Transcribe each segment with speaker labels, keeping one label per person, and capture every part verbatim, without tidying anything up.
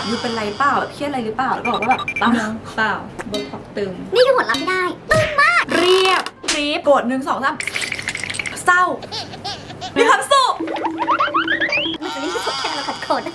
Speaker 1: ยูเป็นไรเปล่าแบบเครียดอะไรหรือเปล่าแล้วบอกว่าแบบเปล่าเปล่าโบท็อกตึง
Speaker 2: นี่คือผลลัพธ์ที่ได้ตึงมาก
Speaker 1: เรียบคลิปโกรธหนึ่งสองสามเศร้ามีความสุข
Speaker 2: มันจะไม่ใช่สุดแค่เราขัดขน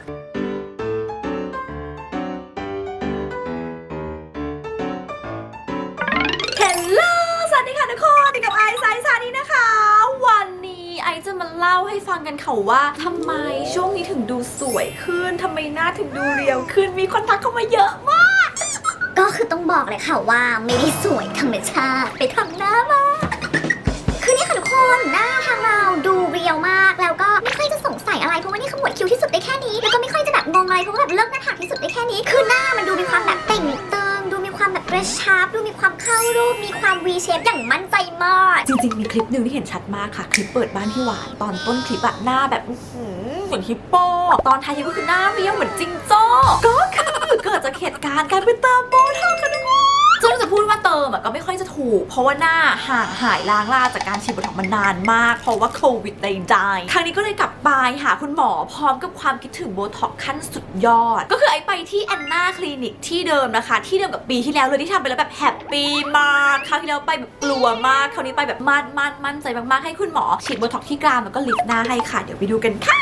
Speaker 1: เฮลโลสวัสดีค่ะทุกคนติดกับไอซ์ไซส์ซานี้นะคะวันนี้ไอซ์จะมาเล่าให้ฟังกันค่ะว่าทำไมช่วงนี้ถึงดูสวยขึ้นทำไมหน้าถึงดูเรียวขึ้นมีคนทักเข้ามาเยอะมาก
Speaker 2: ก็คือต้องบอกเลยค่ะว่าไม่ได้สวยธรรมชาติไปทำหน้ามาคือนี่ค่ะทุกคนหน้าทางเราดูเรียวมากแล้วก็ไม่ค่อยจะสงสัยอะไรเพราะว่านี่ขมวดคิ้วที่สุดได้แค่นี้แล้วก็ไม่ค่อยจะแบบงงอะไรเพราะว่าแบบเลิกหน้าผากที่สุดได้แค่นี้คือหน้ามันดูมีความแบบเต่งตึงดูมีความแบบกระชับดูมีความเข้ารูปมีความ V shape อย่างมั่นใจมาก
Speaker 1: จริงๆมีคลิปหนึ่งที่เห็นชัดมากค่ะคลิปเปิดบ้านพี่หวานตอนต้นคลิปอะหน้าแบบเหมือนฮิปโปตอนท้ายคลิปก็คือหน้าเรียวเหมือนจิงโจ้ก็คือเกิดจากเหตุการณ์การไปเติมโบท็อกซ์กันทุกคนซึ่งจะพูดว่าเติมอะก็ไม่ค่อยจะถูกเพราะว่าหน้าห่างหายล้างลาจากการฉีดโบท็อกซ์มานานมากเพราะว่าโควิดใดๆครั้งนี้ก็เลยกลับไปหาคุณหมอพร้อมกับความคิดถึงโบท็อกซ์ขั้นสุดยอดก็คือไอไปที่แอนนาคลินิกที่เดิมนะคะที่เดิมกับปีที่แล้วเลยที่ทำไปแล้วแบบแฮปปี้มากคราวที่แล้วไปแบบกลัวมากคราวนี้ไปแบบมั่นมั่นมั่นใจมากๆให้คุณหมอฉีดโบท็อกซ์ที่กรามแล้วก็ลิฟต์หน้าให้ค่ะเดี๋ยวไปดูกันค่ะ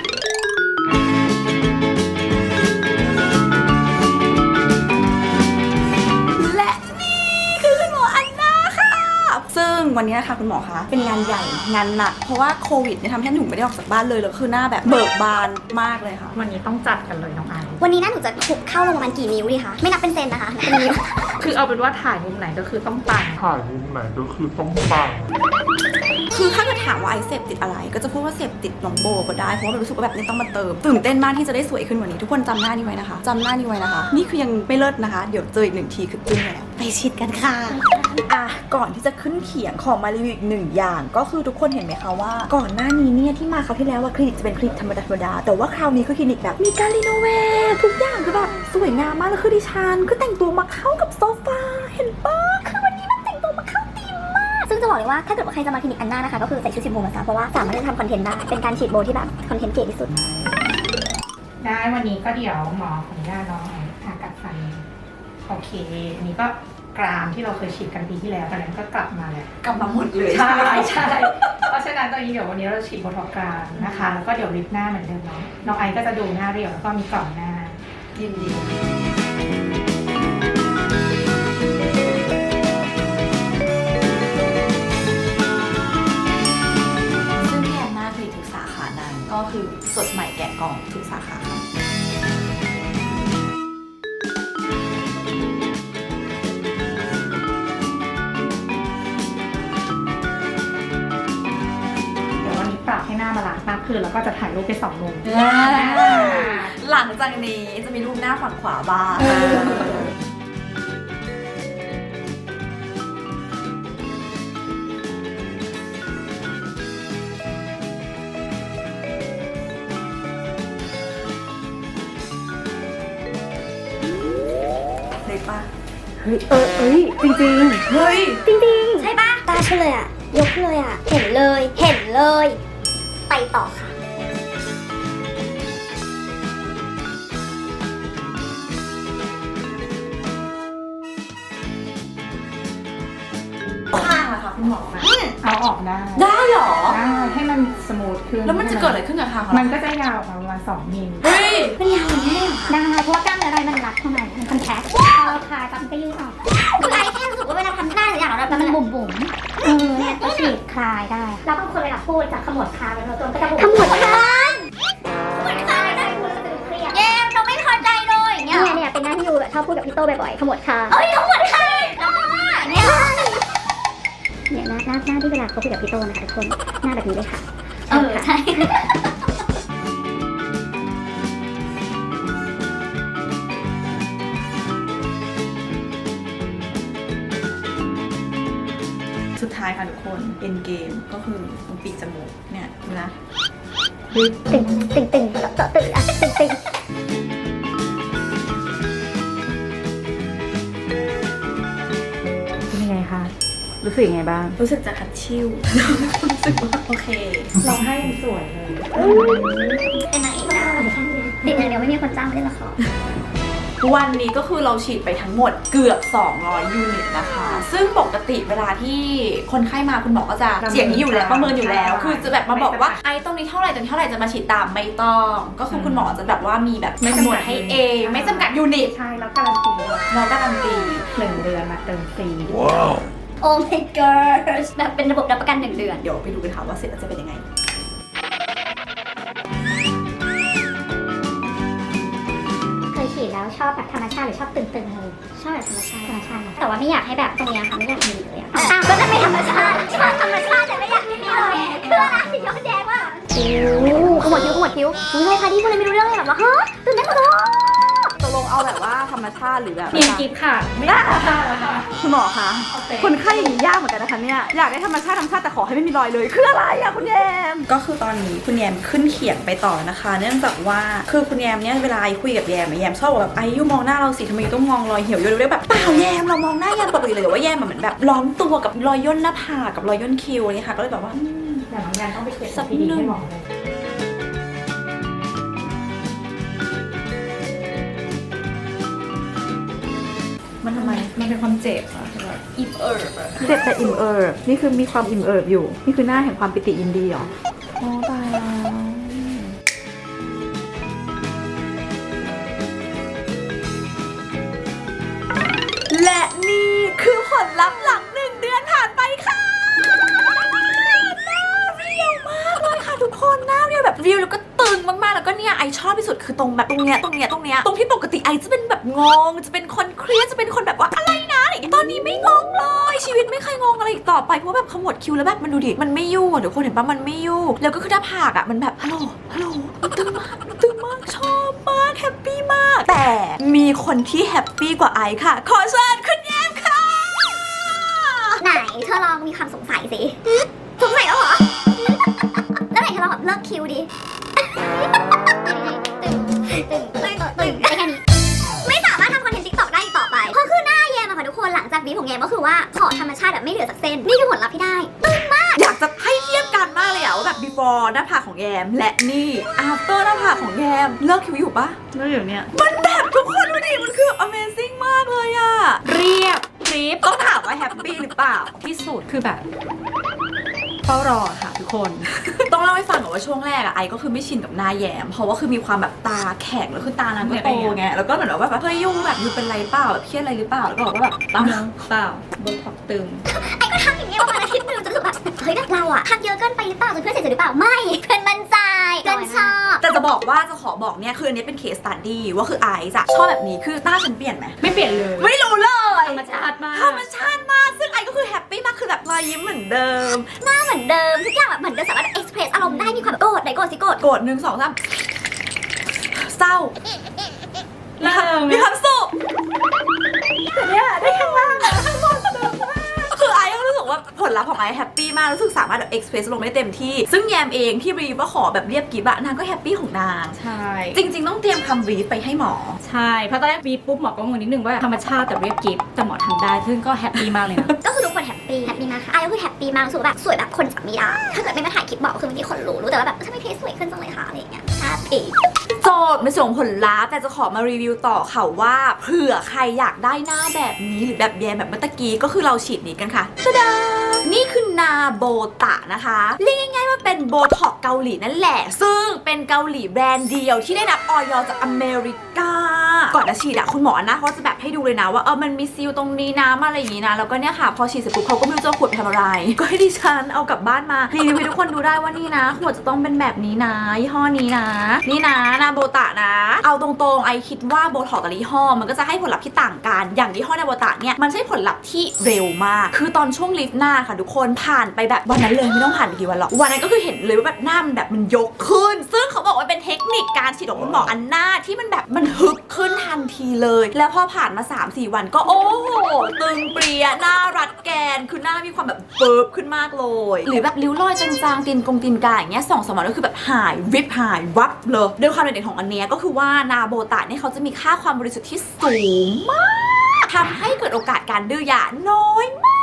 Speaker 1: ซึ่งวันนี้นะคะคุณหมอคะเป็นงานใหญ่งานหนักเพราะว่าโควิดเนี่ยทำให้หนูไม่ได้ออกจากบ้านเลยแล้วคือหน้าแบบเบิกบานมากเลยค่ะ
Speaker 3: วันนี้ต้องจัดกันเลยน้องไอซ์
Speaker 2: วันนี้น่าหนูจะคุกเข้าลงประมาณกี่นิ้วดีคะไม่นับเป็นเซนนะคะนับเป็นนิ้ว
Speaker 3: คือเอาเป็นว่าถ่ายมุมไหนก็คือต้องปัง
Speaker 4: ถ่ายมุมไหนก็คือต้องปัง
Speaker 1: คือถ้าเกิดถามว่าไอเสพติดอะไรก็จะพูดว่าเสพติดน้องโบก็ได้เพราะว่ารู้สึกว่าแบบนี้ต้องมาเติมตื่นเต้นมากที่จะได้สวยขึ้นกว่านี้ทุกคนจำหน้านี้ไว้นะคะจำหน้านี้ไว้นะคะนี่คือยังไม่เลิศนะคะเดี๋ยวเจออีกหนึ่งทีคือจึ้งแล้วไปฉีดกันค่ะอ่ะก่อนที่จะขึ้นเขียงขอมารีวิวอีกหนึ่งอย่างก็คือทุกคนเห็นไหมคะว่าก่อนหน้านี้เนี่ยที่มาคราวที่แล้วว่าคลินิกจะเป็นคลินิกธรรมดาธรรมดาแต่ว่าคราวนี้คือคลินิกแบบมีการรีโนเวททุกอย่างคือแบบสวยงามมากแล้วคือดิฉันคือแต่งตัวมาเข้ากับโซฟาเห็นปะ
Speaker 2: คือวันนี้มันแต่งตัวมาเข้าธีมมากซึ่งจะบอกเลยว่าถ้าเกิดว่าใครจะมาคลินิกอันน่านะคะก็คือใส่ชุดสีโบมาซะเพราะว่าสามารถจะทำคอนเทนต์ได้เป็นการฉีดโบที่แบบคอนเทนต์เก๋ที่สุด
Speaker 3: ได้วันนี้ก็เดี๋ยวหมอขออนุญาตน้องผ่ากัดฟันโอเคอันนี้ก็กรามที่เราเคยฉีดกันปีที่แล้วตอนนั้นก็กลับมาแล้ว
Speaker 1: กลับมาหมดเลย
Speaker 3: ใช่ใช่เพราะฉะนั้นตอนนี้เดี๋ยววันนี้เราฉีดโบท็อกซ์กรามนะคะแล้วก็เดี๋ยวลิฟต์หน้าเหมือนเดิมเนาะน้องไอซ์ก็จะดูหน้าเรียวแล้วก็มีกล่องหน้า
Speaker 1: ยินดีซึ่งที่แอนนาคือทุกสาขานั้นก็คือสดใหม่แกะกล่องทุกสาขาค่ะ
Speaker 3: ปรับให้หน้าบาลานซ์มากขึ้นแล้วก็จะถ่ายรูปไปสองมุม
Speaker 1: หลังจากนี้จะมีรูปหน้าฝั่งขวาบ้างเลยปะ
Speaker 3: เฮ้ยเออเอ้ยจริงจริง
Speaker 1: เฮ้ย
Speaker 2: จริงจริงใช่ปะตาฉันเลยอะยกเลยอะเห็นเลยเห็นเลยไปต่อค่ะ
Speaker 1: ข้างอะค่ะคุณหมอ
Speaker 3: เอาออกได้
Speaker 1: ได้หรอ
Speaker 3: ได้ให้มันสมูทขึ้น
Speaker 1: แล้วมันจะเกิดอะไรขึ้นกับข้าง
Speaker 3: มันก็จะยาวประมาณสองมิล
Speaker 1: เฮ้ย
Speaker 2: มันยาวอย่างนี้ได้เพราะว่ากล้ามเนื้ออะไรมันรัดเข้ามามันคอนแทคพอเราคลายปั๊บก็ยืดออกคือไอ้แค่รู้สึกว่าเวลาทำหน้าหรืออย่างเราแบบมันบุ๋มบุ๋มเออเนี่ยก็ฉีดคลายได้แล้วบางคนเวลาพูดจะขมวดคางเป็นตัวก็จะบุ๋มขมวดคางขมวดคางได้พูดแล้วจะดูเครียดแย่เราไม่พอใจเลยเนี่ยเนี่ยเป็นหน้าที่ยูแบบชอบพูดกับพี่โต้บ่อยๆขมวดคางเอ้ยขมวดคางเนี่ยเนี่ยหน้าหน้าหน้าที่เวลาเขาพูดกับพี่โต้นะคะทุกคนหน้าแบบนี้เลยค่ะเออใช่
Speaker 1: สุดท้ายค่ะทุกคนเอ็นเกมก็คือตรงปีกจมูกเนี่ยนะ
Speaker 2: ติ่งติ่งติ่งเจาะติ่งอ่ะติ่งติ่ง
Speaker 3: เป็นยังไงคะรู้สึกยังไงบ้าง
Speaker 1: รู้สึกจะคัดชิ่วรู้สึกว่าโอเค
Speaker 3: เราให้สวยเลย
Speaker 2: เป็นนางเอกนะดิดอย่างเดียวไม่มีคนจ้างไม่ได้ละคร
Speaker 1: วันนี้ก็คือเราฉีดไปทั้งหมดเกือบสองร้อยยูนิตนะคะ ซึ่งปกติเวลาที่คนไข้มาคุณหมอก็จะเสียงนี้อยู่แล้วประเมินอยู่แล้ว คือจะแบบมาบอกว่าไอ้ตรงนี้เท่าไหร่ตรงนี้เท่าไหร่จะมาฉีดตามไม่ต้องก็คือคุณหมอจะแบบว่ามีแบบคำนวณให้เองไม่จำกัดยูนิต
Speaker 3: ใช่แล้วการันตีด้วย
Speaker 1: เราการันตี
Speaker 3: หนึ่งเดือนมาเติมฟรี
Speaker 2: โอ้ my god แบบเป็นระบบรับประกันหนึ่งเดือน
Speaker 1: เดี๋ยวไปดูกันค่ะว่าเสร็จแล้วจะเป็นยังไง
Speaker 2: เคยฉีดแล้วชอบแบบธรรมชาติหรือชอบตึงๆเลยชอบแบบธรรมชาติธรรมชาตินะแต่ว่าไม่อยากให้แบบตรงเนี้ยค่ะไม่อยากมีเลยอะอ้าวก็จะไม่ธรรมชาติชอบธรรมชาติแต่ไม่อยากมีเลยคืออะไรย้อนแย้งว่าโอ้ขมวดคิ้วขมวดคิ้วอุ้ยเลยค่ะที่พูดเลยไม่รู้เรื่องเลยแบบว่าฮะตื่นเต้นหมดเลย
Speaker 1: ตกลงเอาแบบว่าธรรมชาติหรือแบบ
Speaker 3: เนียนกิฟค่ะไม่ได้ค่ะแล้วค่ะ
Speaker 1: คุณหมอคะคนไข้อย่างนี้ยากเหมือนกันนะคะเนี่ยอยากได้ธรรมชาติธรรมชาติแต่ขอให้ไม่มีรอยเลยคืออะไรอะคุณแยมก็คือตอนนี้คุณแยมขึ้นเขียงไปต่อนะคะ เนื่องจากว่าคือคุณแยมเนี่ยเวลาคุยกับแยมแยมชอบบอกแบบไอ้ยูมองหน้าเราสิทำไมต้องมองรอยเหี่ยวอยู่เรื่อยแบบเปล่าแยมเรามองหน้าแยมปกติเลยว่าแยมเหมือนแบบล้อมตัวกับรอยย่นหน้าผากกับรอยย่นคิ้วอะไรค่ะก็เลยแบบว่า
Speaker 3: แต่น้องแนนต้องไปเก็บสักทีดีให้หมอเลย
Speaker 1: มันทำไมมันเป็นความเจ็บอะแบบอิ่มเอิบอะ
Speaker 5: เจ็บแต่อิ่มเอิบนี่คือมีความอิ่มเอิบอยู่ นี่คือหน้าแห่งความปิติยินดีเหรอ
Speaker 1: โอ้ตายแล้วและนี่คือผลลัพธ์หลังหนึ่งเดือนผ่านไปค่ะหน้าเรียวมากเลยค่ะทุกคนหน้าเรียวแบบเรียวแล้วก็ตึงมากๆแล้วก็เนี่ยไอชอบที่สุดคือตรงแบบตรงเนี้ยตรงเนี้ยตรงเนี้ยตรงที่ปกติไอจะเป็นแบบงงจะเป็นคนเครียดจะเป็นคนแบบว่าอะไรนะอะไรอย่างเงี้ยตอนนี้ไม่งงเลยชีวิตไม่เคยงงอะไรอีกต่อไปเพราะแบบขมวดคิ้วแล้วแบบมันดูดิมันไม่ยู่อะเดี๋ยวคนเห็นปะมันไม่ยู่แล้วก็คือหน้าผากอะมันแบบฮัลโหลฮัลโหลมันตึงมากมันตึงมากชอบมากแฮปปี้มากแต่มีคนที่แฮปปี้กว่าไอค่ะขอเชิญคุณแยมค่ะ
Speaker 2: ไหนเธอลองมีความสงสัยสิสงสัยแล้วเหรอ แล้วไหนเธอลองแบบเลิกคิวดิตึงตึงตึงตึงอะไรแค่นี้ไม่สามารถทำคอนเทนต์ติ๊กต็อกได้อีกต่อไปเพราะคือหน้าแยมอะค่ะทุกคนหลังจากบีบของแยมก็คือว่าขอธรรมชาติแบบไม่เหลือสักเส้นนี่คือผลลัพธ์ที่ได้
Speaker 1: อยากจะให้เทียบกันมากเลยอะว่าแบบ before หน้าผากของแยมและนี่ after หน้าผากของแยมเลิกคิ้วอยู่ปะ
Speaker 5: แล้วเดี๋ยวเนี้ย
Speaker 1: มันแบบทุกคนดูดิมันคือ amazing มากเลยอะเรียบคลิปต้องถามว่าแฮปปี้หรือเปล่า
Speaker 3: ที่สุดคือแบบเฝ้ารอค่ะทุกคน
Speaker 1: ต้องเล่าให้ฟังก่อนว่าช่วงแรกอะไอก็คือไม่ชินกับหน้าแยมเพราะว่าคือมีความแบบตาแข็งแล้วคือตานางก็โตไงแล้วก็เหมือนแบบว่าเฮ้ยยุ่งแบบยูเป็นไรเปล่าแบบเครียดอะไรหรือเปล่าแล้วก็บอกว่าแบบเปล่า
Speaker 3: เปล่าบนท็อกตึง
Speaker 2: ไอ้ก็ทำอย่างนี้ประมาณอาทิตย์หนึงจนรู้สึกแบบเฮ้ยเราอะทำเยอะเกินไปหรือเปล่าจนเพื่อนเสียใจหรือเปล่าไม่เพื่อนมั่นใจเพื่อนชอบ
Speaker 1: แต่จะบอกว่าจะขอบอกเนี่ยคืออันนี้เป็นเคสสตัดดี้ว่าคือไอซ์อะชอบแบบนี้คือหน้าฉันเปลี่ยนไหม
Speaker 3: ไม่เปลี่ยนเลย
Speaker 1: ไม่รู้เลย
Speaker 3: ธรรมชาติมาก
Speaker 1: ธรรมชาติมากซึ่งไอก็คือแฮปปี้มากคือแบบรอยยิ้มเหมือนเดิม
Speaker 2: หน้าเหมือนเดิมทุกอย่างแบบเหมือนเดิมสามารถเอ็กซ์เพรสอารมณ์ได้มีความแบบโกรธไหนโกรธสิโกรธ
Speaker 1: โกรธหนึ่งสองสามเศร้า
Speaker 3: เริ่ม
Speaker 1: มีความสุขแต่เนี่ยได้ข้างล่างอะข้างบนเดิมมากคือไอก็รู้สึกว่าผลลัพธ์ของไอแฮปปี้มากรู้สึกสามารถแบบเอ็กซ์เพรสลงได้เต็มที่ซึ่งแยมเองที่รีว่าขอแบบเรียบกิ๊บอะนางก็แฮปปี้ของนาง
Speaker 3: ใช่
Speaker 1: จริง ๆ ต้องเตรียมคำรีฟไปให้หมอ
Speaker 3: ใช่เพราะตอนแรกบีบปุ๊บหมอก็งงนิดนึงว่าธรรมชาติแต่เรียบกิฟแต่หมอทำได้ซึ่งก็แฮปปี้มากเลยนะ
Speaker 2: ก็คือทุกคนแฮปปี้แฮปปี้มากค่ะไอ้ก็คือแฮปปี้มากรู้สึกว่าแบบสวยแบบคนจับไม่ได้ถ้าเกิดไม่มาถ่ายคลิปบอกคือเมื่อกี้คนรู้รู้แต่ว่าแบบทำไมเพจสวยขึ้นจังเลยคะอะไรอย่างเงี้ยแฮปปี้
Speaker 1: โจทย์ไม่ส่งผลลัพธ์แต่จะขอมารีวิวต่อค่ะว่าเผื่อใครอยากได้หน้าแบบนี้หรือแบบแยมแบบเมื่อตะกี้ก็คือเราฉีดนี้กันค่ะตะดานี่คือนาโบตะนะคะเรียกง่ายๆว่าเป็นโบท็อกเกาหลีนั่นแหละซึ่งเป็นเกาหลีแบรนด์เดียวที่ได้รับออยจากอเมริกาก่อนจะฉีดอะคุณหมอนะเขาจะแบบให้ดูเลยนะว่าเออมันมีซีลตรงนี้นะอะไรอย่างนี้นะแล้วก็เนี่ยค่ะพอฉีดเสร็จปุ๊บเขาก็ไม่รู้จะขวดไปทำอะไรก็ให้ดิฉันเอากลับบ้านมารีวิวให้ทุกคนดูได้ว่านี่นะขวดจะต้องเป็นแบบนี้นะยี่ห้อนี้นะนี่นะนาโบตะนะ เอาตรงๆไอคิดว่าโบท็อกแต่ละยี่ห้อมันก็จะให้ผลลัพธ์ที่ต่างกันอย่างยี่ห้อนาโบตะเนี่ยมันใช้ผลลัพธ์ที่เร็วมากคือตอนช่วงลิฟต์หน้าค่ะทุกคนผ่านไปแบบวันนั้นเลยไม่ต้องผ่านไปกี่วันหรอกวันนั้นก็คือเห็นเลยว่าแบบหน้ามันแบบมันยกขึ้นซึ่งเขาบอกว่าเป็นเทคนิคการฉีดของคุณหมออันหน้าที่มันแบบมันฮึกขึ้นทันทีเลยแล้วพอผ่านมา สามสี่ วันก็โอ้โหตึงเปรียหน้ารัดแกนคือหน้ามีความแบบเฟิร์บขึ้นมากเลยหรือแบบริ้วรอยจางๆตีนกงตีนกายอย่างเงี้ยสองสามวันก็คือแบบหายวิบหายวับเลยโดยความเด่นของอันเนี้ยก็คือว่านาโบตะเนี่ยเขาจะมีค่าความบริสุทธิ์ที่สูงมากทำให้เกิดโอกาสการดื้อยาน้อยมาก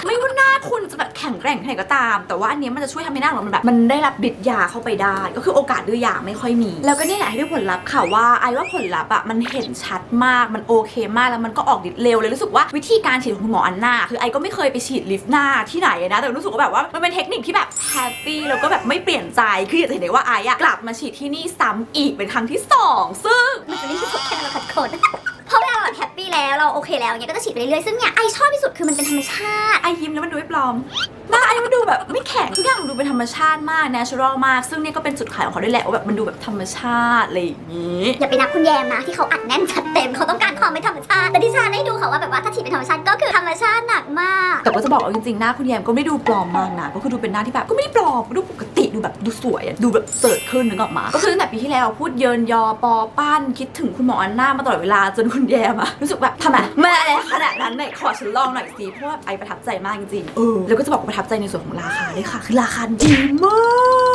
Speaker 1: ไม่ว่าหน้าคุณจะแบบแข็งแกร่งแค่ไหนก็ตามแต่ว่าอันนี้มันจะช่วยทำให้หน้าของเรามันแบบมันได้รับฤทธิ์ยาเข้าไปได้ก็คือโอกาสดื้อยาไม่ค่อยมีแล้วก็นี่แหละให้ได้ผลลัพธ์ค่ะว่าไอ้ว่าผลลัพธ์อ่ะมันเห็นชัดมากมันโอเคมากแล้วมันก็ออกฤทธิ์เร็วเลยรู้สึกว่าวิธีการฉีดของคุณหมออันนาคือไอ้ก็ไม่เคยไปฉีดลิฟต์หน้าที่ไหนนะแต่รู้สึกว่าแบบว่ามันเป็นเทคนิคที่แบบแฮปปี้แล้วก็แบบไม่เปลี่ยนใจคืออยากจะเห็นได้ว่าไอ้อะกลับมาฉีดที่นี่ซ้ำอีกเป็นครั้งที่สองซึ่ง
Speaker 2: มันจะไม่ที่สุดแค่เราขัดขนเพราะเวลาเราแบบแฮปปี้แล้วเราโอเคแล้วอย่างเงี้ยก็จะฉีดไปเรื่อยๆซึ่งเนี่ยไอชอบที่สุดคือมันเป็นธรรมชาติ
Speaker 1: ไอยิ้มแล้วมันดูไม่ปลอมหน้าไอมันดูแบบไม่แข็งทุกอย่างมันดูเป็นธรรมชาติมาก natural มากซึ่งเนี่ยก็เป็นจุดขายของเขาด้วยแหละว่าแบบมันดูแบบธรรมชาติอะไรอย่างงี้
Speaker 2: อย่าไปนับคุณแยมนะที่เขาอัดแน่นจัดเต็มเขาต้องการความไม่ธรรมชาติแต่ดิฉันได้ดูเขาว่าแบบว่าถ้าฉีดเป็นธรรมชาติก็คือธรรมชาติหนักมาก
Speaker 1: แต่ก็จะบอกเอาจริงๆหน้าคุณแยมก็ไม่ได้ดูปลอมมากนะก็คือดูเป็นหน้าที่แบบก็ไม่ได้ปลอมก็ดูปกติดูแบบดูสวยอะดูแบบเสิร์ชขึ้นนึกออกมาก็คือตั้งแต่ปีที่แล้วพูดเยินยอปอปั้นคิดถึงคุณหมออันนามาตลอดเวลาจนคุณแยมอะรู้สึกแบบทำไมไม่อะไรขนาดนั้นไหนขอฉันลองหน่อยสิเพราะว่าไอประทับใจมากจริงๆเออแล้วก็จะบอกว่าประทับใจในส่วนของราคาด้วยค่ะคือราคาดีมาก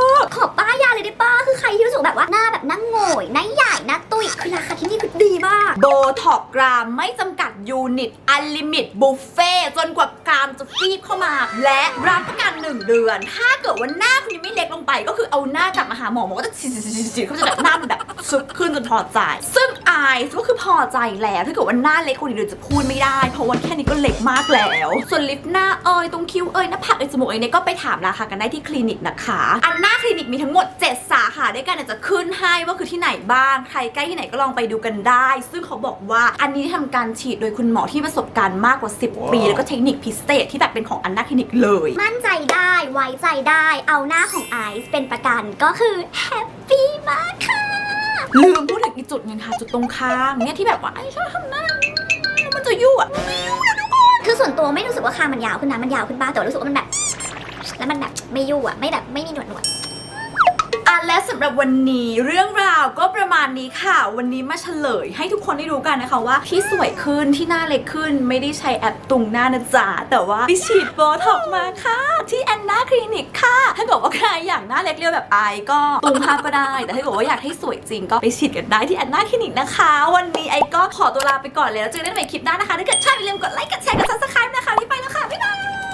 Speaker 2: ขอป้ายยาเลยได้ป้าคือใครที่รู้สึกแบบว่าหน้าแบบหน้าโง่ยหน้าใหญ่หน้าตุ้ยคือราคาที่นี่คือดีมาก
Speaker 1: โบท็อกกรามไม่จำกัดยูนิตอันลิมิตบุฟเฟ่จนกว่ากรามจะฟีบเข้ามา และรับประกันหนึ่งเดือน ถ้าเกิดว่าหน้าคุณยังไม่เล็กลงไป ก็คือเอาหน้ากลับมาหาหมอหมอก็จะฉีดๆๆเขาจะแบบหน้ามันแบบซุกขึ้นจนพอใจ ซึ่งไอซ์ก็คือพอใจแล้วถ้าเกิดว่าหน้าเล็กกว่านี้เดี๋ยวจะพูดไม่ได้เพราะว่าแค่นี้ก็เล็กมากแล้วส่วนลิปหน้าเอยตรงคิ้วเอยหน้าผากเอยจมูกเอยเนี่ยก็ไปถามราคากันได้ที่คลินิกนะคะอันหน้าคลินิกมีทั้งหมดเจ็ดสาขาด้วยกันเดี๋ยวจะขึ้นให้ว่าคือที่ไหนบ้างใครใกล้ที่ไหนก็ลองไปดูกันได้ ซึ่งเขาบอกว่าอันนี้ทำการฉีดโดยคุณหมอที่ประสบการณ์มากกว่าสิบปีแล้วก็เทคนิคพิเศษที่แบบเป็นของอันหน้าคลินิกเลย
Speaker 2: มั่นใจได้ไว้ใจได้เอาหน้าของไอซ์เป็นประกันก็คือแฮปปี้มากค่ะ
Speaker 1: ลืมพูดถึงอีกจุดหนึงค่ะจุดตรงข้างเนี่ยที่แบบว่าไอ้ชอบทำหน้ามันจะยุ่อะไม่ยุ่นะทุกคน
Speaker 2: คือส่วนตัวไม่รู้สึกว่าคางมันยาวขึ้นนะมันยาวขึ้นบ้างแต่ว่ารู้สึกว่ามันแบบแล้วมันแบบไม่ยุ่อะไม่แบบไม่มีหนวดหนวด
Speaker 1: อ่ะและสำหรับวันนี้เรื่องราวก็ประมาณนี้ค่ะ วันนี้มาเฉลยให้ทุกคนได้รู้กันนะคะว่าที่สวยขึ้นที่หน้าเล็กขึ้นไม่ได้ใช้แอปตุงหน้านะจ๊ะแต่ว่าไปฉีดโบท็อกซ์มาค่ะที่แอนนาคลินิกค่ะถ้าเกิดว่าใครอยากหน้าเล็กเรียวแบบไอก็ตุงภาพก็ได้แต่ถ้าเกิดว่าอยากให้สวยจริงก็ไปฉีดกันได้ที่แอนนาคลินิกนะคะวันนี้ไอก็ขอตัวลาไปก่อนเลยแล้วเจอกันใหม่คลิปหน้านะคะถ้าเกิดชอบอย่าลืมกดไลค์กดแชร์กดซับสไครป์นะคะรีบไปแล้วค่ะบ๊ายบาย